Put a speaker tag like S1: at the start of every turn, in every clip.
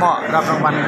S1: เหมาะรับรางวัล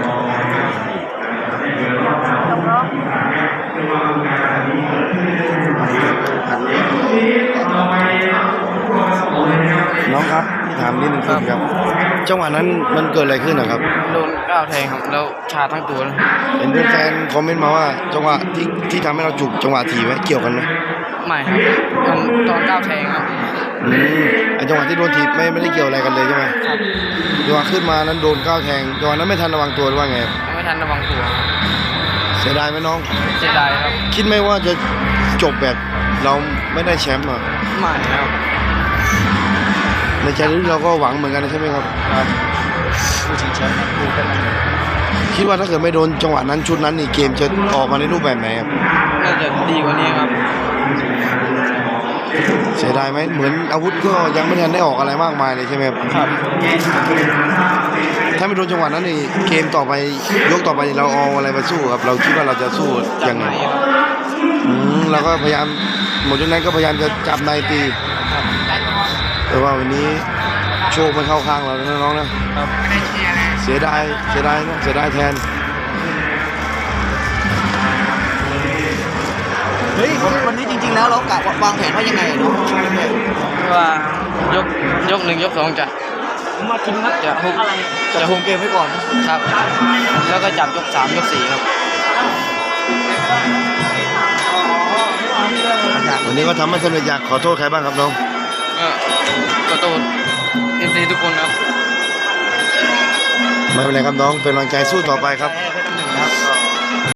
S2: น้องครับพี่ถามนิดนึงครับจังหวะนั้นมันเกิดอะไรขึ้นนะครับ
S1: โดนก้าวแทงครับแล้วชาทั้งตัว
S2: เห็นแฟนคอมเมนต์มาว่าจังหวะที่ทำให้เราจุกจังหวะถีบไหมเกี่ยวกันไหม
S1: ไม่ครับมันตอนก้าวแทงครับ
S2: ไอจังหวะที่โดนถีบไม่ได้เกี่ยวอะไรกันเลยใช่ไหม
S1: ครับ
S2: จังหวะขึ้นมานั้นโดนก้าวแทงจังหวะนั้นไม่ทันระวังตัวหรือว่าไง
S1: ไม่ทันระวังตัว
S2: เสียดายไหมน้อง
S1: เสียดายครับ
S2: คิดไหมว่าจะจบแบบเราไม่ได้แชมป์อ่ะ
S1: ไม่ครับ
S2: ในใจลึกเราก็หวังเหมือนกันใช่ไหมครับ
S1: ผู้ชิงแชมป์
S2: คิดว่าถ้าเกิดไม่โดนจังหวะนั้นชุดนั้นนี่เกมจะออกมาในรูปแบบไหนครับ
S1: น่าจะดีกว่านี้ครับ
S2: เสียดายไหมเหมือนอาวุธก็ยังไม่ทันได้ออกอะไรมากมายเลยใช่ไหมครับถ้าไม่โดนจังหวะนั้นนี่เกมต่อไปยกต่อไปเราเอาอะไรมาสู้ครับเราคิดว่าเราจะสู้ยังไงเราก็พยายามหมดยกนั้นก็พยายามจะจับในตีแต่ว่าวันนี้โชคไม่เข้าข้างเรานะน้องนะเสียดายนะเสียดายแทน
S3: เฮ้ยวันนี้จริงๆแล้วเรากะวางแผนว่ายังไงเนาะ
S1: ว่ายกหนึ่งยกสองจะมาทิ้งครับจะ
S3: คุมเกมไว้ก่อน
S1: ครับแล้วก็จับยกสามยกสี่ครับ
S2: วันนี้ก็ทำให้สำเร็จอยากขอโทษใครบ้างครับน้อง
S1: ขอโทษทีทุกคนครับ
S2: ไม่เป็นไรครับน้องเป็นกำลังใจสู้ต่อไปครับ